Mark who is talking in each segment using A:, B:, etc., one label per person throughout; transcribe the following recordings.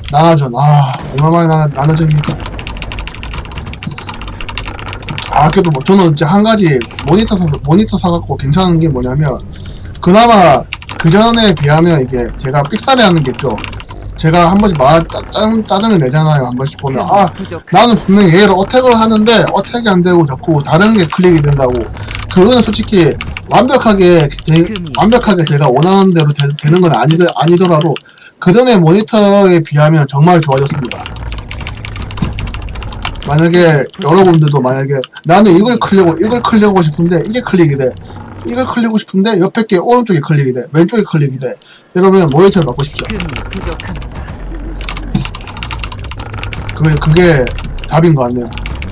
A: 나나전. 얼마만에 나나전입니까? 그래도 뭐 저는 이제 한 가지 모니터 사갖고 괜찮은 게 뭐냐면, 그나마 그 전에 비하면 이게 제가 삑사리 하는 게 있죠. 제가 한 번씩 짜증을 내잖아요. 한 번씩 보면 나는 분명히 얘를 어택을 하는데 어택이 안 되고 자꾸 다른 게 클릭이 된다고. 그거는 솔직히 완벽하게 제가 원하는 대로 되는 건 아니더라도 그 전에 모니터에 비하면 정말 좋아졌습니다. 만약에 여러분들도 만약에 나는 이걸 클릭하고 싶은데 이게 클릭이 돼. 이걸 클릭하고 싶은데 옆에 게 오른쪽에 클릭이 돼. 왼쪽에 클릭이 돼. 이러면 모니터를 바꾸십시오. 그게 답인 것 같네요.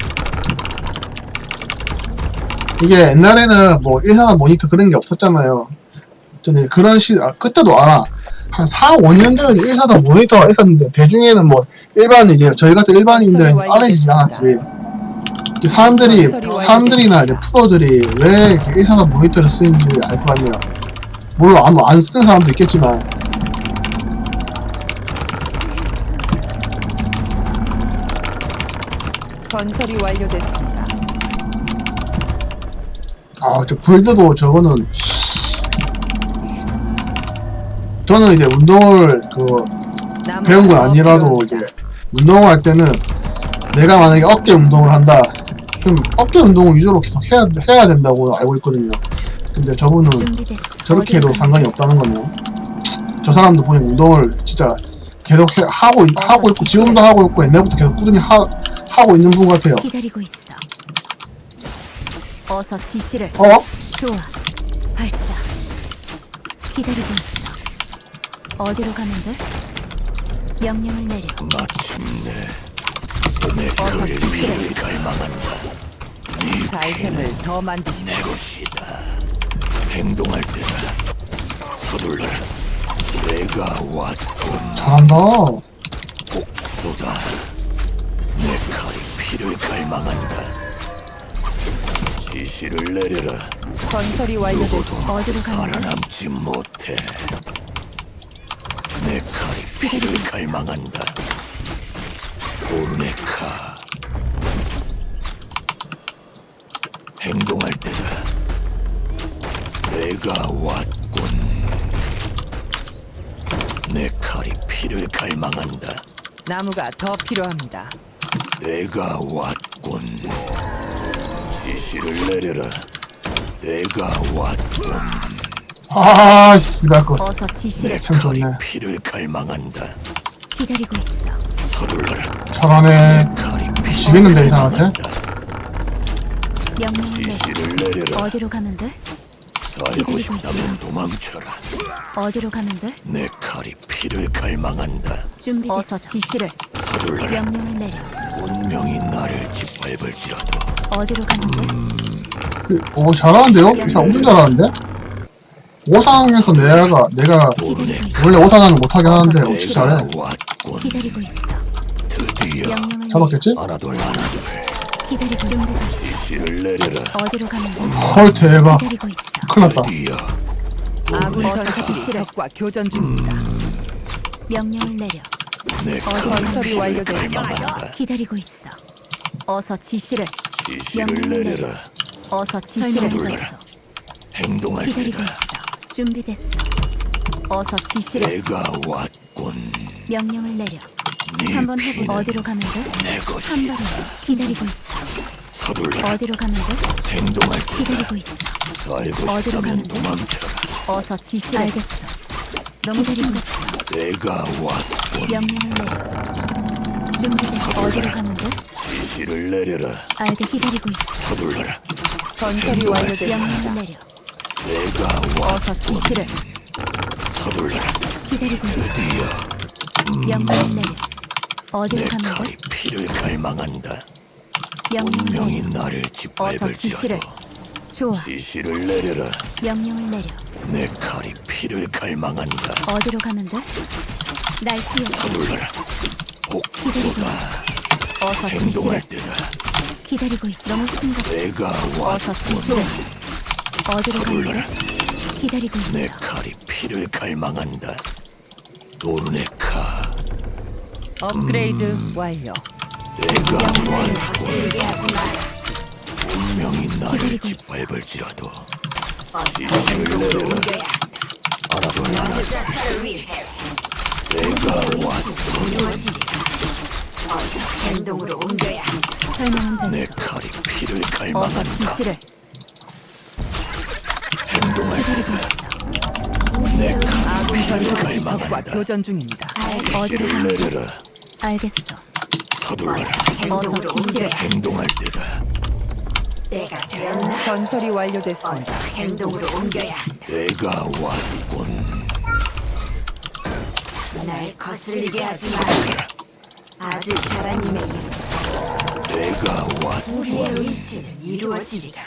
A: 이게 옛날에는 뭐 1사단 모니터 그런 게 없었잖아요. 저는 그런 그때도 한 4, 5년 전에 1사단 모니터가 있었는데, 대중에는 뭐 이제 저희 같은 일반인들은 알아지지 않았지. 사람들이나 이제 프로들이 왜 이렇게 1사단 모니터를 쓰는지 알 것 같네요. 물론 안 쓰는 사람도 있겠지만.
B: 건설이 완료됐습니다.
A: 저 불드도 저는 이제 운동을 배운 건 아니라도 이제 운동을 할 때는 내가 만약에 어깨 운동을 한다, 그럼 어깨 운동을 위주로 계속 해야 된다고 알고 있거든요. 근데 저분은 저렇게 해도 상관이 없다는 거네요. 저 사람도 보니 운동을 진짜 계속 하고 있고, 지금도 하고 있고, 옛날부터 계속 꾸준히 하고 있는 분 같아요.
C: 기다리고 있어. 어서 지시를. 좋아. 발사. 기다리고 있어. 어디로 가면 돼? 명령을 내려.
D: 마침내 내 거리를 피를 갈망한다. 네
B: 달샘을 더 만드십시오.
D: 내 것이다. 행동할 때다. 서둘러라. 내가 왔군.
A: 잘한다.
D: 복수다. 내 칼이 피를 갈망한다. 지시를 내려라.
B: 건설이 완료됐습니다.
C: 어디로 가면 돼?
D: 살아남지 못해. 내 칼이 피를 갈망한다. 오르네카. 행동할 때다. 내가 왔군. 내 칼이 피를 갈망한다.
B: 나무가 더 필요합니다.
D: 내가 왔군. 지시를 내려라. 내가 왔군.
A: 씨발 거.
C: 어서 지시를.
A: 참 좋네.
D: 피를 갈망한다.
C: 기다리고 있어.
D: 서둘러라.
A: 잘하네.
D: 칼이 피를
A: 지겠는데, 이 사람한테?
C: 명령을 내려.
D: 지시를 내려라.
C: 어디로 가면 돼?
D: 살고
C: 기다리고
D: 싶다면 도망쳐라.
C: 어디로 가면 돼?
D: 내 칼이 피를 갈망한다.
C: 준비됐어. 어서 지시를.
D: 서둘러라.
C: 명령을 내려.
D: 운명이 나를 짓밟을지라도.
C: 어디로 가면 돼?
A: 잘하는데요? 진짜 엄청 잘하는데? 오상에서 내가
D: 오르네.
A: 원래 오상은 못하긴 하는데 어떻게 잘해.
D: 내가 왔군.
C: 기다리고 있어.
D: 드디어
C: 명령을
A: 잡았겠지?
D: 하나둘 하나둘.
C: 기다리고 있어.
D: 지시를 내려라.
C: 어디로 가면 돼?
A: 헐, 대박.
C: 기다리고 있어.
A: 큰일 났다.
D: 드디어
B: 아군
C: 어서
B: 전사들이
C: 지시를.
B: 적과 교전 중입니다.
C: 명령을 내려.
D: 내
B: 건설이
D: 칼이 피를
B: 완료됐습니다.
D: 갈망한다.
C: 기다리고 있어. 어서 지시를.
D: 지시를
C: 명령을
D: 내려라.
C: 어서 지시를.
D: 서둘러라. 행동할
C: 기다리고
D: 때다.
C: 있어. 준비됐어. 어서 지시를.
D: 내가 왔군.
C: 명령을 내려.
D: 네
C: 한번
D: 피는
C: 해보. 어디로 가면 돼?
D: 내
C: 한
D: 것이.
C: 발에 기다리고 있어.
D: 서둘러라.
C: 어디로 가면 돼?
D: 행동할 때다.
C: 기다리고 있어.
D: 살고
C: 어디로
D: 싶다면
C: 가면 돼?
D: 도망쳐라.
C: 어서 지시를. 알겠어. 너무 기다리고 있어.
D: 내가 왔군.
C: 명령을 내려. 준비됐어. 어디로 가면 돼?
D: 지시를 내려라.
C: 알겠어. 기다리고 있어.
D: 서둘러라.
B: 건설이 완료됐습니다.
C: 명령을 내려.
D: 내가
C: 어서
D: 왔군.
C: 지시를.
D: 서둘러라.
C: 기다리고 있어.
D: 드디어
C: 명령을 내려. 어디로
D: 내
C: 가면 돼?
D: 칼이 피를 갈망한다.
C: 명령을
D: 운명이
C: 내려.
D: 나를
C: 어서 지시를.
D: 짓밟을지라도.
C: 좋아.
D: 지시를 내려라.
C: 명령을 내려.
D: 내 칼이 피를 갈망한다.
C: 어디로 가면 돼? 날 뛰어.
D: 서둘러라. 복수다.
C: 어서
D: 행동할
C: 지시를.
D: 때다.
C: 기다리고 있어. 너무 심각해.
D: 내가
C: 어서 지시를.
D: 왔군.
C: 어디로 가면
D: 서둘러라.
C: 돼? 기다리고 있어.
D: 내 칼이 피를 갈망한다. 도르네카.
B: 업그레이드 완료.
D: 내가
C: 영혼을 거슬리게 하지 마라.
D: 운명이 나를
C: 기다리고 있어.
D: 짓밟을지라도
C: 어서 행동으로 옮겨야 한다.
D: 알아도
C: 남자타를 위해
D: 내가 왔
C: 이루어지리라. 어서 행동으로 옮겨야 한다.
B: 설명은
D: 내
B: 됐어.
D: 칼이 피를
B: 어서
D: 갈망한다.
B: 지시를.
D: 행동할
C: 기다리고
D: 때다.
C: 있어.
D: 내 칼이
B: 아군
D: 피를
B: 전사들이 적과
D: 갈망한다.
B: 교전 중입니다.
C: 어디로
D: 피를
C: 가면
D: 내려라.
C: 알겠어.
D: 서둘러라.
C: 행동으로 옮겨야 한다.
D: 행동할 때다.
C: 때가 되었나?
B: 건설이
C: 어서
B: 완료됐습니다.
C: 행동으로 옮겨야 한다.
D: 내가 왔군.
C: 날 거슬리게 하지 마라. 아주 샤라님의 이름.
D: 내가 왔군.
C: 우리의 의지는 이루어지리라.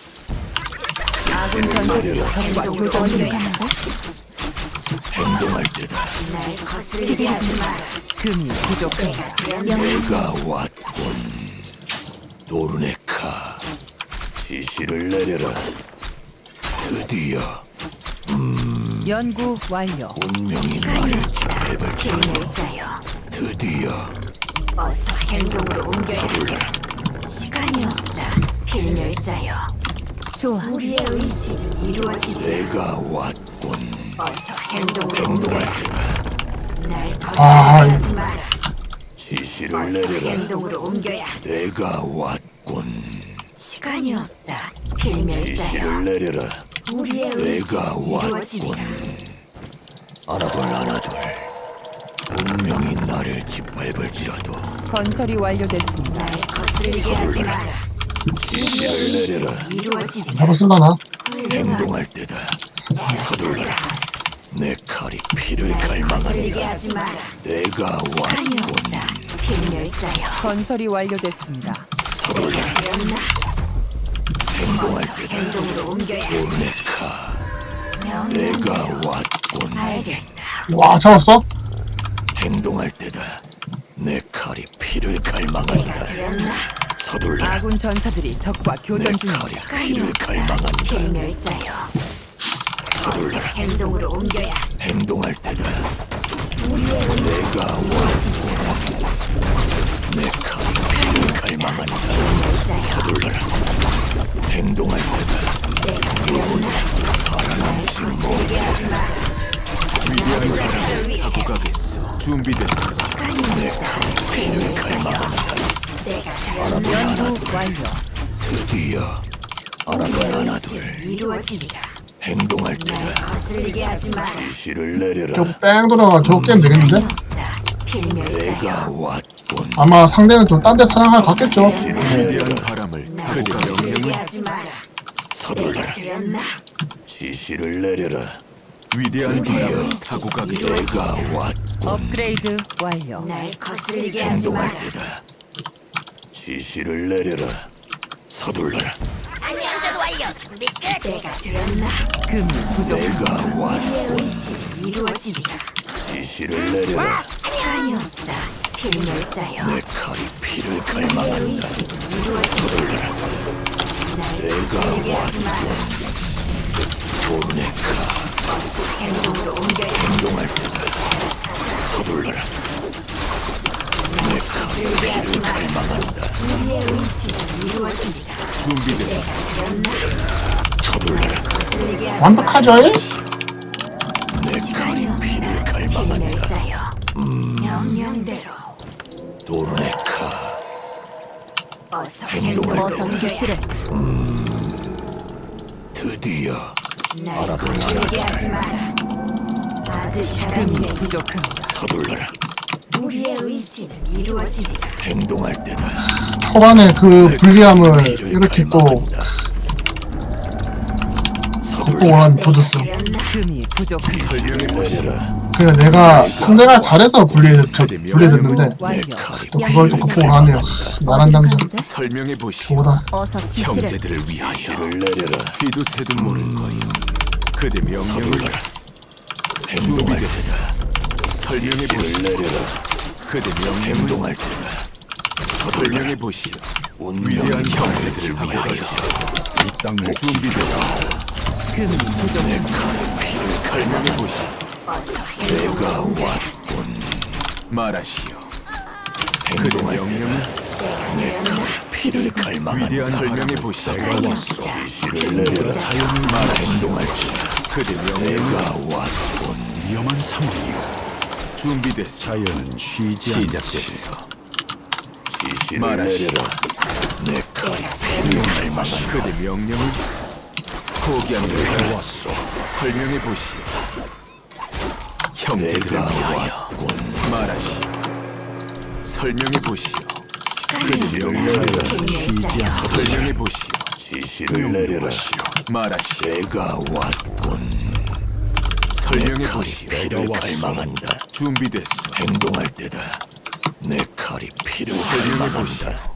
B: 아군 전사들이 적과
C: 행동으로
B: 교전
C: 옮겨야
B: 중입니다.
C: 한다.
D: 행동할 때다.
C: 날 거슬리게 하지 마라.
B: 금이 부족합니다.
C: 때가 되었나?
D: 내가 왔군. 도르네카. 지시를 내려라. 드디어
B: 연구 완료.
D: 운명이 나를 짓밟을지라도
C: 필멸자여.
D: 드디어
C: 어서 행동으로 옮겨야 한다.
D: 서둘러라.
C: 시간이 없다. 필멸자여. 좋아. 우리의 의지는 이루어지리라.
D: 내가 왔군.
C: 어서 행동으로
D: 행동할
C: 옮겨야 한다.
D: 때다.
C: 날
A: 아,
C: 거슬리게 하지 마라.
D: 지시를
C: 어서
D: 내려라.
C: 행동으로 옮겨야 한다.
D: 내가 왔군.
C: 시간이 없다. 필멸자여.
D: 지시를 내려라.
C: 우리의
D: 내가
C: 의지는 이루어지리라.
D: 왔군. 하나둘 하나둘. 운명이 나를 짓밟을지라도
B: 건설이 완료됐습니다.
C: 날 거슬리게 하지 마라.
D: 지시를 내려라.
C: 이루어지리라.
A: 잡았을라나?
D: 행동할 때다. 서둘러라. 내 칼이 피를
C: 날 거슬리게
D: 갈망한다.
C: 하지 마라.
D: 내가
C: 시간이
D: 왔군.
C: 없다. 필멸자여.
B: 건설이 완료됐습니다.
D: 서둘러라.
C: 되었나?
D: 행동할
C: 어서
D: 때다.
C: 행동으로 옮겨야 한다.
D: 도르네카. 내가
C: 명령대로.
D: 왔군.
C: 알겠다.
A: 와, 잡았어?
D: 행동할 때다. 내 칼이 피를
C: 때가
D: 갈망한다.
C: 되었나?
D: 서둘러라.
B: 아군 전사들이 적과
D: 내
B: 교전
D: 칼이
B: 중입니다.
C: 시간이
D: 피를
C: 없다.
D: 갈망한다.
C: 필멸자여. 어서
D: 서둘러라.
C: 행동으로 옮겨야 한다.
D: 행동할 때다.
C: 우리의 의지
D: 내가 왔군. 내 칼이 피를 갈망한다.
C: 필멸자여.
D: 서둘러라. 행동할 때다.
C: 때가 되었나? 날 거슬리게 하지 마라. 남자타를 위해
D: 하고 가겠어. 준비됐어.
C: 시간이
D: 내
C: 없다.
D: 칼이 피를
C: 필멸자여.
D: 갈망한다.
C: 때가 되었나?
B: 연구 완료.
D: 드디어 하나둘
C: 우리의
D: 하나둘.
C: 의지는 이루어지리라.
D: 행동할
C: 날
D: 때다.
C: 거슬리게 하지 마라.
D: 지시를 내려라.
A: 저뺑 돌아가 저거 깨면 되겠는데?
C: 시간이 없다.
D: 내가
C: 필멸자여.
D: 왔군.
A: 아마 상대는 좀 딴 데 사냥할 것 같겠죠? 네.
D: 위대한 바람을
C: 날 거슬리게 하지 마라. 때가
D: 서둘러라.
C: 되었나?
D: 지시를 내려라.
C: 위대한
D: 드디어
C: 타고
D: 내가 왔군.
B: 업그레이드 완료.
C: 날 거슬리게 하지
D: 행동할
C: 마라.
D: 때다. 지시를 내려라. 서둘러라.
C: 때가 되었나?
B: 금이 부족합니다.
D: 내가 왔.
C: 우리의 의지는 이루어지리라.
D: 지시를 내려라.
C: 시간이 없다. 필멸자여.
D: 내 칼이 피를
C: 우리의
D: 갈망한다.
C: 의지는 이루어지리라.
D: 서둘러라.
C: 날
D: 내가
C: 거슬리게 하지 마라.
D: 도르네카.
C: 행동으로 옮겨야 한다.
D: 행동할 때다. 서둘러라. 내 칼이
C: 거슬리게 하지
D: 피를
C: 마라.
D: 갈망한다.
C: 우리의 의지는 이루어지리라.
D: 준비됐어.
C: 때가 되었나?
D: 서둘러라.
C: 거슬리게 하지 마라.
A: 완벽하죠? 이?
D: 내
C: 시간이
D: 칼이
C: 없다.
D: 피를 갈망한다.
C: 필멸자여. 명령대로
D: 도르네카.
C: 어서
D: 행동할
C: 행동으로
D: 때다.
C: 옮겨야
D: 드디어
C: 날 거슬리게 하지 마라. 아들 샤라님의
B: 부족합니다.
D: 서둘러라.
C: 우리의 의지는 이루어지리라.
D: 행동할 때다.
A: 초반에 그
D: 내
A: 불리함을
D: 칼이 피를
A: 이렇게 또
D: 갈망한다. 서둘러라.
A: 보완
C: 때가
A: 부드스.
C: 되었나?
B: 금이 부족합니다.
D: 설명해 보시라.
A: 그냥 내가 상대가 잘해서 불리해졌는데
B: 연구
D: 내
B: 완료.
D: 칼이
A: 또 그걸 또 극복을 하네요. 나란
C: 어디로
A: 남자
C: 가는데?
D: 설명해 보시오.
A: 저보다
C: 어서 지시를.
D: 형제들을 위하여 지시를 내려라.
E: 쥐도 새도 모를 거요. 그대 명령을
D: 서둘러라. 행동할 때다.
E: 설명해
D: 지시를
E: 보시오.
D: 내려라.
E: 그대 명령을
D: 행동할 때다. 서둘러라.
E: 설명해 보시오.
D: 운명의
E: 위대한
D: 형제들을
E: 형제들을
D: 위하여
E: 이 땅을 준비되라.
B: 금이 부족합니다.
E: 설명해 보시오.
C: 어서
D: 내가
C: 행동으로 옮겨야
D: 왔군.
E: 말하시오. 그대 명령을
D: 피를 갈망한
E: 위대한 설명해 보시오.
D: 내가 왔소. 지시를 내려라.
E: 자연을 말하 행동할지. 그대 명령을
D: 내가 왔군.
E: 위험한 상황이요. 준비됐어. 자연은 쉬지 시작됐어.
D: 지시를
E: 말하시오.
D: 내려라. 내 칼이 피를 갈망한
E: 그대 명령을 포기한
D: 내가
E: 걸
D: 왔소.
E: 설명해 보시오. 형제들을
D: 내가
E: 위하여 말하시오. 설명해 보시오. 그대
C: 시간이
E: 명령을
C: 나를
E: 쉬지 않아
C: 길자.
E: 설명해 보시오.
D: 지시를 내려라.
E: 말하시오.
D: 내가 왔군.
E: 설명해
D: 내 칼이
E: 보시오.
D: 피를 갈망한다.
E: 준비됐어.
D: 행동할 때다. 내 칼이 피를
E: 설명해 보시오.
D: 갈망한다.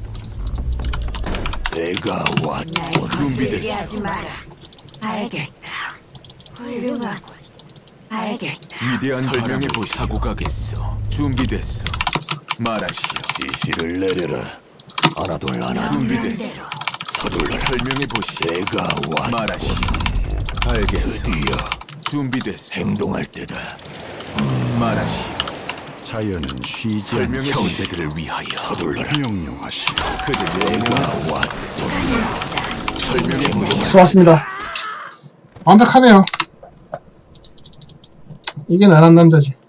D: 내가
C: 날
D: 왔군.
C: 거슬게 하지 마라. 알겠다. 훌륭하군. 알겠다.
E: 위대한 설명해 보시오. 하고 가겠어. 준비됐어. 말하시오.
D: 지시를 내려라. 하나둘 하나.
E: 준비됐어.
C: 대로
D: 서둘러.
E: 설명해 보시오.
D: 내가 왔군.
E: 말하시오. 알겠어.
D: 드디어
E: 준비됐어.
D: 행동할 때다.
E: 말하시오.
F: 자연은 쉬지
E: 설명해
F: 않고
E: 보시오.
D: 형제들을 위하여 서둘러라.
F: 명령하시오.
E: 그대
D: 내가
E: 명령
D: 왔군.
E: 설명해 보시오.
A: 좋았습니다. 완벽하네요. 이게 나란 남자지.